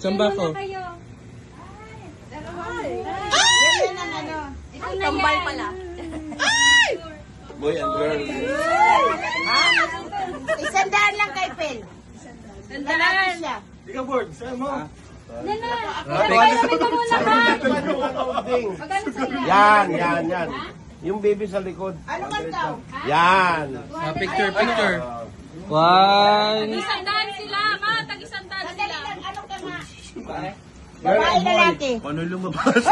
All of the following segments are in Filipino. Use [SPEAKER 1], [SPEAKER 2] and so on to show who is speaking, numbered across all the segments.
[SPEAKER 1] Samba ko.
[SPEAKER 2] Kayo.
[SPEAKER 3] Yan ang ano.
[SPEAKER 2] Kambal pala.
[SPEAKER 1] Boy and girl.
[SPEAKER 3] Ha? 100 lang kay Pel. Lalaki siya.
[SPEAKER 4] Di ka board, sa'yo mo.
[SPEAKER 2] Nana, ilamay ka muna ba? Magkano sa'yo?
[SPEAKER 4] Yan. Yung baby sa likod.
[SPEAKER 3] Ano man daw?
[SPEAKER 4] Yan.
[SPEAKER 1] Picture. One.
[SPEAKER 2] Tag-isandaan sila, ma. Tag-isandaan sila.
[SPEAKER 3] Ano ka nga? Babae lalaki.
[SPEAKER 4] Paano lumabas?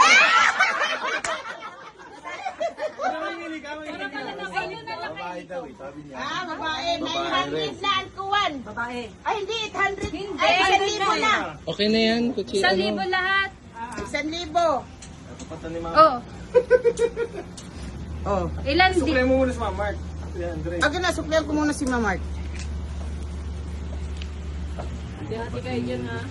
[SPEAKER 4] Babae daw eh, sabi niya.
[SPEAKER 3] Ah, babae. 900 na ang kuwan.
[SPEAKER 2] Babae.
[SPEAKER 3] Ay, hindi. 800.
[SPEAKER 2] Hindi.
[SPEAKER 3] Ay, 1,000 na.
[SPEAKER 1] Okay na yan, kutsi.
[SPEAKER 2] 1,000 lahat.
[SPEAKER 3] 1,000.
[SPEAKER 4] Pata ni Mama.
[SPEAKER 2] Oh.
[SPEAKER 3] Oh.
[SPEAKER 2] Ilan di?
[SPEAKER 4] Suklay mo muna sa Mama Mark. Yan, Andre.
[SPEAKER 3] Aga na, suklihan ko muna si Mamart.
[SPEAKER 2] Hati kayo dyan, ha?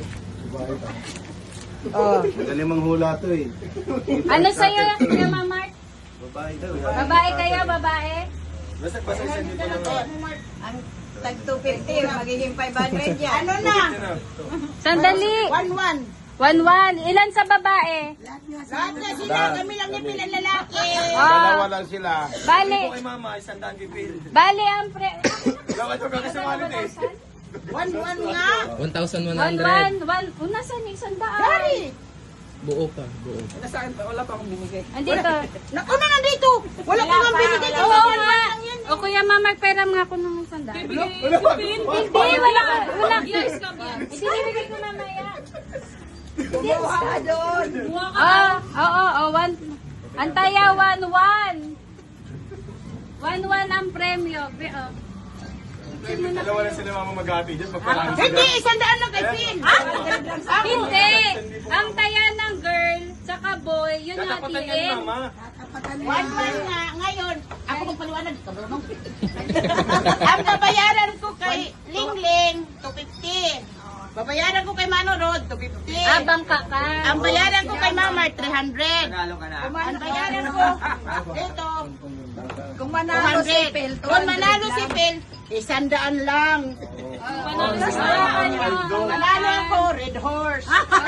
[SPEAKER 3] Oh.
[SPEAKER 4] Magaling manghula to eh.
[SPEAKER 2] Ano sa'yo, Kuya Mamart?
[SPEAKER 4] Babae daw eh.
[SPEAKER 2] Babae kayo, babae?
[SPEAKER 4] Basta isa dito lang ako.
[SPEAKER 3] Ang tag 250, magiging 500 yan. Ano na?
[SPEAKER 2] Sandali.
[SPEAKER 3] 1,100.
[SPEAKER 2] 1,100. Ilan sa babae?
[SPEAKER 3] Lahat na sila. Kami lang yung pinalalaki.
[SPEAKER 4] Dalawa lang sila.
[SPEAKER 2] Bali.
[SPEAKER 4] Kay Mama, isandaan kay Phil.
[SPEAKER 2] Bali ang pre...
[SPEAKER 4] Dapat ko kakasamalit eh.
[SPEAKER 3] 1,100 nga.
[SPEAKER 1] 1,100.
[SPEAKER 2] 1,100. Una saan yung sandaan?
[SPEAKER 3] Dari.
[SPEAKER 1] Buo pa.
[SPEAKER 2] Andito.
[SPEAKER 3] Naku na nandito. Wala ko nga binigay.
[SPEAKER 2] Oo nga. O Kuya Mamart, pera nga ako ng sandaan. Hindi, wala ka. Wala ka. Ibibigay ko mamaya.
[SPEAKER 3] Kumuha doon.
[SPEAKER 2] Oo. Antaya, 1,100. 1,100 ang premyo.
[SPEAKER 4] Dalawa na sila Mama maghati dyan. Pagparami
[SPEAKER 3] Hindi, 100 lang kay Phil.
[SPEAKER 2] Hindi. Ang taya ng girl, tsaka boy, yun
[SPEAKER 4] Tatapatan yan ni
[SPEAKER 2] hatiin.
[SPEAKER 4] Mama.
[SPEAKER 3] 1,100 nga. Ngayon, ako magpaliwanag. Kabromong. Ang babayaran ko kay Lingling, 250. Babayaran ko kay Manorod, 250.
[SPEAKER 2] Abang ka ka.
[SPEAKER 3] Ang bayaran ko kay Mama, 300. Ang bayaran ko dito,
[SPEAKER 2] Kung
[SPEAKER 3] 200. Kung manalo si Phil, 100 lang.
[SPEAKER 2] Panalo sa saan nyo.
[SPEAKER 3] Manalo ako, Red Horse.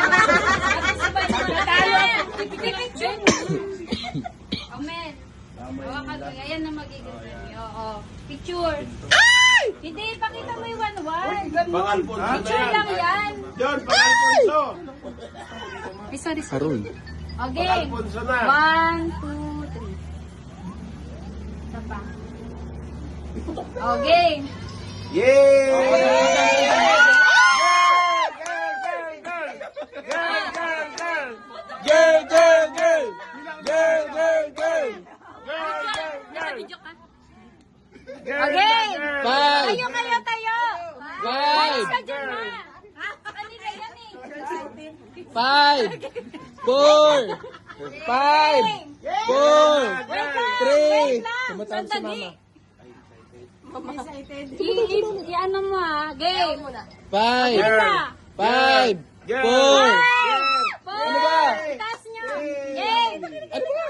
[SPEAKER 2] Natalo ako. Picture. Amen. Hawakan ko. Ayan na magiging premyo. Oo. Picture. Hindi, pakita mo yung 1,100.
[SPEAKER 4] Pang-Alfonso.
[SPEAKER 2] Picture lang yan.
[SPEAKER 4] John, pang-Alfonso.
[SPEAKER 2] Ay, sorry.
[SPEAKER 1] Haroy.
[SPEAKER 2] Okay.
[SPEAKER 4] Pang-Alfonso na.
[SPEAKER 2] 1, 2, 3. Isa pa. Okay.
[SPEAKER 4] Yay!
[SPEAKER 2] Nakabidyo ka? Okay.
[SPEAKER 1] Five.
[SPEAKER 2] Tayo.
[SPEAKER 1] Five.
[SPEAKER 2] Alis ka dyan, ma. Kanina yan eh.
[SPEAKER 1] 5. 4. 5. 4.
[SPEAKER 2] Wait lang.
[SPEAKER 1] 3. Tumatawag si Mama.
[SPEAKER 2] I-ano mo ha. Game.
[SPEAKER 1] 5. 5. 4.
[SPEAKER 2] Ano
[SPEAKER 1] ba?
[SPEAKER 2] Taas nyo. Game.
[SPEAKER 1] Ano ba?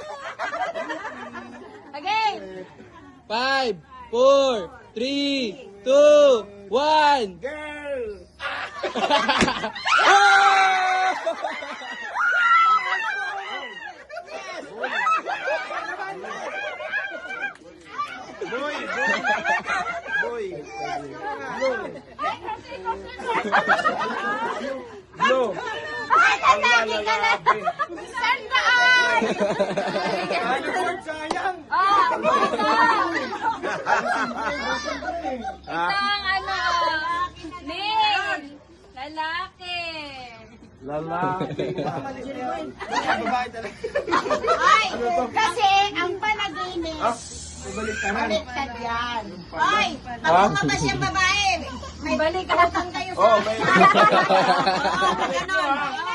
[SPEAKER 2] Okay.
[SPEAKER 1] 5, 4, 3, 2, 1.
[SPEAKER 4] Girl! Boy! Blow! Ang lalaki!
[SPEAKER 3] Sandaan!
[SPEAKER 4] Ano po, sayang!
[SPEAKER 2] Isang ano. Ning. Lalaki.
[SPEAKER 4] Lalaki. Babae talaga.
[SPEAKER 3] Ay, kasi ang panaginip,
[SPEAKER 4] Balik ka na.
[SPEAKER 3] baliktad yan. Ay, pag lumabas yung babae, may
[SPEAKER 2] Balik ka.
[SPEAKER 3] utang kayo sa
[SPEAKER 4] Oh, may...
[SPEAKER 3] ganon.